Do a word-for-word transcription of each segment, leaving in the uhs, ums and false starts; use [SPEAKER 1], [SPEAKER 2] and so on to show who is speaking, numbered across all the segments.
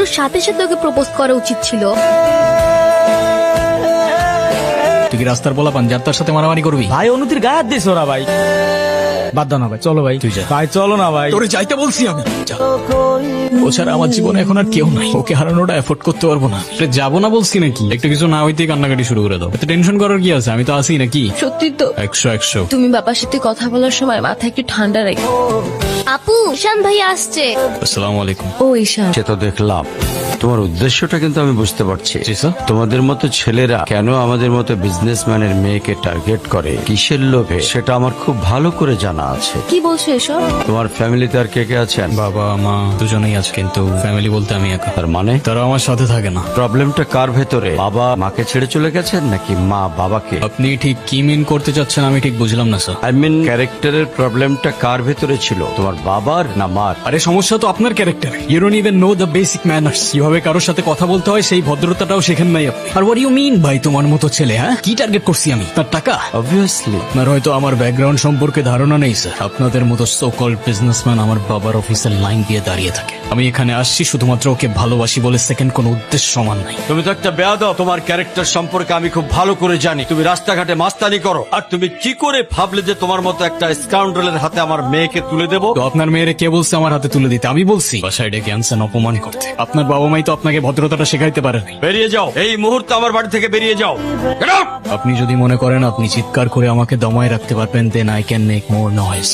[SPEAKER 1] সাথে সাথে ওকে প্রপোজ করা উচিত ছিল।
[SPEAKER 2] তুই কি রাস্তার বলা পান যার তার সাথে মারামারি করবি?
[SPEAKER 3] ভাই অনুতির গায়ে হাত দিস ওরা ভাই। বাদ দাও না ভাই, চলো ভাই।
[SPEAKER 2] তুই যা।
[SPEAKER 3] ভাই চলো না ভাই।
[SPEAKER 2] তোরে যাইতে বলছি আমি। যা। ও ছাড়া আমার জীবনে এখন আর কেউ নাই, ওকে হারানোটা এফোর্ড করতে পারবো না। যাবো না বলছি নাকি? একটু কিছু না হইতেই কান্নাকাটি শুরু করে দাও। এত টেনশন করার কি আছে? আমি তো আছি নাকি?
[SPEAKER 1] সত্যি তো।
[SPEAKER 2] একশো একশো।
[SPEAKER 1] তুমি বাবার সাথে কথা বলার সময় মাথা একটু ঠান্ডা রাখো। আপু, ঈশান ভাই আসছে।
[SPEAKER 2] আসসালামু আলাইকুম।
[SPEAKER 1] ও ঈশান,
[SPEAKER 4] সে তো দেখলাম, তোমার উদ্দেশ্যটা কিন্তু আমি বুঝতে পারছি।
[SPEAKER 2] জি স্যার।
[SPEAKER 4] তোমাদের মতো ছেলেরা কেন আমাদের মতো বিজনেসম্যানের মেয়েকে টার্গেট করে, কিসের লোভে, সেটা আমার খুব ভালো করে জানা আছে।
[SPEAKER 1] কি বলছো এসব?
[SPEAKER 4] তোমার ফ্যামিলিতে আর কে কে আছেন?
[SPEAKER 2] বাবা মা দুজনেই আছে, কিন্তু ফ্যামিলি বলতে আমি একা।
[SPEAKER 4] তার মানে
[SPEAKER 2] তারা আমার সাথে থাকে না।
[SPEAKER 4] প্রবলেমটা কার ভেতরে? বাবা মাকে ছেড়ে চলে গেছেন নাকি মা বাবাকে?
[SPEAKER 2] আপনি ঠিক কি মিন করতে চাচ্ছেন আমি ঠিক বুঝলাম না স্যার।
[SPEAKER 4] আই মিন ক্যারেক্টারের প্রবলেমটা কার ভেতরে ছিল, তোমার বাবার না মার?
[SPEAKER 2] আরে সমস্যা তো আপনার character. You don't even know the basic manners. কিভাবে কারোর সাথে কথা বলতে হয় সেই ভদ্রতাটাও শেখেন নাই আপনি। আর হোয়াট ইউ মিন ভাই তোমার মতো ছেলে? হ্যাঁ, কি টার্গেট করছি আমি? তার টাকা?
[SPEAKER 4] অবভিয়াসলি।
[SPEAKER 2] আপনার হয়তো আমার ব্যাকগ্রাউন্ড সম্পর্কে ধারণা নেই স্যার। আপনাদের মতো সো কল্ড বিজনেসম্যান আমার বাবার অফিসের লাইন দিয়ে দাঁড়িয়ে থাকে। আমি এখানে আসছি শুধুমাত্র ওকে ভালোবাসি বলে, সেকেন্ড কোনো উদ্দেশ্য সমান নাই।
[SPEAKER 4] তুমি তো একটা বেয়াদব। তোমার ক্যারেক্টার সম্পর্কে আমি খুব ভালো করে জানি। তুমি রাস্তাঘাটে মাস্তানি করো, আর তুমি কি করে ভাবলে যে তোমার মতো একটা স্কাউন্ডারের হাতে আমার মেয়েকে তুলে দেবো?
[SPEAKER 2] তো আপনার মেয়েরে কে বলছে আমার হাতে তুলে দিতে? আমি বলছি বাসায় ডেকে আনছেন অপমান করতে। আপনার বাবা মাই তো আপনাকে ভদ্রতাটা শেখাইতে পারেনি।
[SPEAKER 4] বেরিয়ে যাও, এই মুহূর্তে আমার বাড়ি থেকে বেরিয়ে যাও। Get out!
[SPEAKER 2] আপনি যদি মনে করেন আপনি চিৎকার করে আমাকে দমায় রাখতে পারবেন, then I can make more noise.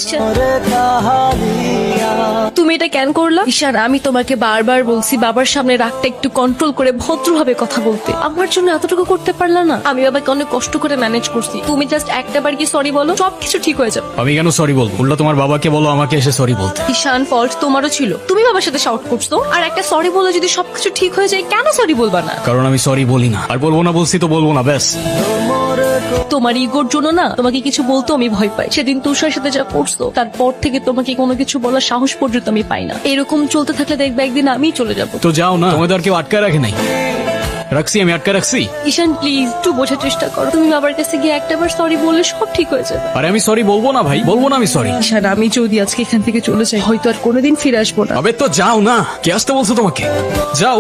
[SPEAKER 1] তুমি এটা কেন করলা? ঈশান, আমি তোমাকে বারবার বলছি বাবার সামনে রাগটা একটু কন্ট্রোল করে ভদ্রভাবে কথা বলতে। আমার জন্য এতটুকু করতে পারলা না? আমি বাবাকে অনেক কষ্ট করে ম্যানেজ করছি। তুমি জাস্ট একটা বার কি সরি বলো, সবকিছু ঠিক হয়ে যাবে।
[SPEAKER 2] আমি কেন সরি বলবো? উল্টা তোমার বাবাকে বলো আমাকে এসে সরি বলতে।
[SPEAKER 1] ঈশান, ফল্ট তোমারও ছিল। তুমি বাবার সাথে শাউট করছো, আর একটা সরি বলে যদি সবকিছু ঠিক হয়ে যায়, কেন সরি বলবা না?
[SPEAKER 2] কারণ আমি সরি বলি না, আর বলবো না। বলছি তো বলবো না, ব্যাস।
[SPEAKER 1] তোমার ইগোর জন্য না তোমাকে কিছু বলতে আমি ভয় পাই। সেদিন তুষার সাথে যা করছো, তারপর থেকে তোমাকে কোনো কিছু বলার সাহস পর্যন্ত আমি পাই না। এরকম চলতে থাকলে দেখবে একদিন আমি চলে যাব।
[SPEAKER 2] তো যাও না, তোমাদের আর কেউ আটকে রাখে নাই। রাখছি, আমি আটকে রাখছি।
[SPEAKER 1] ঈশান প্লিজ একটু বোঝার চেষ্টা করো। তুমি বাবার কাছে গিয়ে একটাবার সরি বললে সব ঠিক হয়ে যাবে।
[SPEAKER 2] আরে আমি সরি বলবো না ভাই, বলবো না আমি সরি।
[SPEAKER 1] ঈশান, আমি যদি আজকে এখান থেকে চলে যাই, হয়তো আর কোনোদিন ফিরে আসবো না।
[SPEAKER 2] আবে তো যাও না, কে আসতে বলছো তোমাকে? যাও।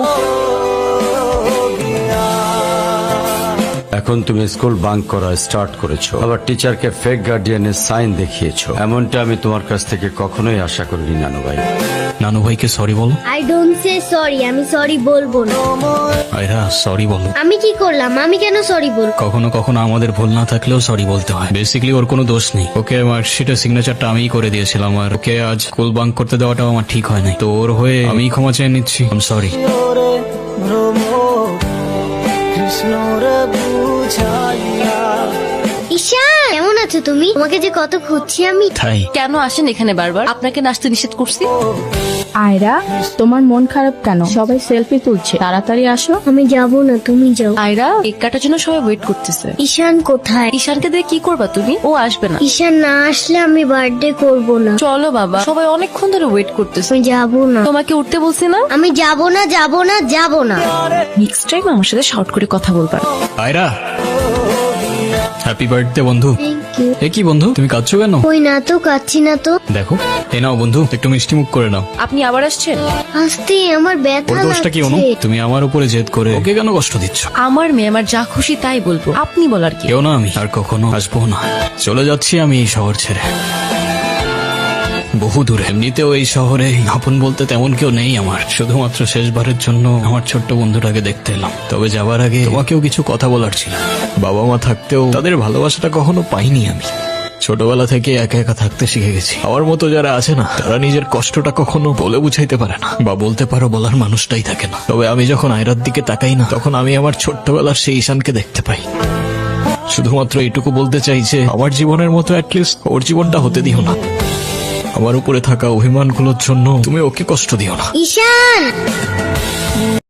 [SPEAKER 4] এখন তুমি স্কুল বাঙ্ক করা স্টার্ট করেছো, আবার টিচারকে ফেক গার্ডিয়ানের সাইন দেখিয়েছো। এমনটা আমি তোমার কাছ থেকে কখনোই আশা করিনি নানু ভাই।
[SPEAKER 2] নানু ভাইকে সরি বলো।
[SPEAKER 5] আই ডোন্ট সে সরি, আমি সরি বলবো না।
[SPEAKER 2] আয়রা সরি বলো।
[SPEAKER 5] আমি কি করলাম? আমি কেন সরি বলবো?
[SPEAKER 2] কখনো কখনো আমাদের ভুল না থাকলেও সরি বলতে হয়। বেসিক্যালি ওর কোনো দোষ নেই। ওকে মার্কশিটের সিগনেচারটা আমিই করে দিয়েছিলাম, আর ওকে আজ স্কুল বাঙ্ক করতে দেওয়াটাও আমার ঠিক হয় নাই। তো ওর হয়ে আমি ক্ষমা চেয়ে নিচ্ছি। I am sorry.
[SPEAKER 5] ঈশান, কেমন আছো তুমি? তোমাকে যে কত খুঁজছি আমি।
[SPEAKER 2] তাই
[SPEAKER 1] কেন আসেন এখানে বারবার? আপনাকে নাচতে নিষেধ করছি।
[SPEAKER 6] আয়রা, তোমার মন খারাপ কেন? সবাই সেলফি তুলছে, তাড়াতাড়ি আসো।
[SPEAKER 5] আমি যাবো না, তুমি যাও।
[SPEAKER 1] আয়রা, কেক কাটার জন্য সবাই ওয়েট করতেছে।
[SPEAKER 5] ঈশান কোথায়?
[SPEAKER 1] ঈশানকে দিয়ে কি করবা তুমি? ও আসবে না।
[SPEAKER 5] ঈশান না আসলে আমি বার্থডে করব না।
[SPEAKER 1] চলো বাবা, সবাই অনেকক্ষণ ধরে ওয়েট করতেছে।
[SPEAKER 5] আমি যাবো না।
[SPEAKER 1] তোমাকে উঠতে বলছি না?
[SPEAKER 5] আমি যাবো না, যাবো না, যাবো না।
[SPEAKER 1] নেক্সট টাইম আমার সাথে শর্ট করে কথা বলবা।
[SPEAKER 2] আয়রা, হ্যাপি বার্থডে বন্ধু।
[SPEAKER 5] Thank you.
[SPEAKER 2] এ কি বন্ধু, তুমি কাঁদছো কেন?
[SPEAKER 5] কই না তো, কাচ্ছি না তো।
[SPEAKER 2] দেখো, এ নাও বন্ধু, একটু মিষ্টি মুখ করে নাও।
[SPEAKER 1] আপনি আবার আসছেন?
[SPEAKER 5] আসতে আমার
[SPEAKER 2] ওর
[SPEAKER 5] ব্যথা
[SPEAKER 2] দোষটা কি অনু?
[SPEAKER 5] লাগছে।
[SPEAKER 2] তুমি আমার উপরে জেদ করে ওকে কেন কষ্ট দিচ্ছ?
[SPEAKER 1] আমার মেয়ে, আমার যা খুশি তাই বলবো। আপনি বলার কি?
[SPEAKER 2] কেউ না, আমি আর কখনো আসবো না। চলে যাচ্ছি আমি এই শহর ছেড়ে, বহু দূরে। এমনিতেও এই শহরে আপন বলতে তেমন কেউ নেই আমার। শুধুমাত্র শেষবারের জন্য আমার ছোট্ট বন্ধুটাকে দেখতে এলাম। তবে যাবার আগে তোমাকেও কিছু কথা বলার ছিল। বাবা মা থাকতেও তাদের ভালোবাসাটা কখনো পাইনি আমি। ছোটবেলা থেকে একা একা থাকতে শিখে গেছি। আমার মতো যারা আছে না, তারা নিজের কষ্টটা কখনো বলে বুঝাইতে পারে না, বা বলতে পারো বলার মানুষটাই থাকে না। তবে আমি যখন আয়রার দিকে তাকাই না, তখন আমি আমার ছোট্টবেলার সেই ঈশানকে দেখতে পাই। শুধুমাত্র এইটুকু বলতে চাই যে আমার জীবনের মতো অ্যাটলিস্ট ওর জীবনটা হতে দিও না। আমার উপরে থাকা অভিমানগুলোর জন্য তুমি ওকে কষ্ট দিও না।
[SPEAKER 5] ঈশান।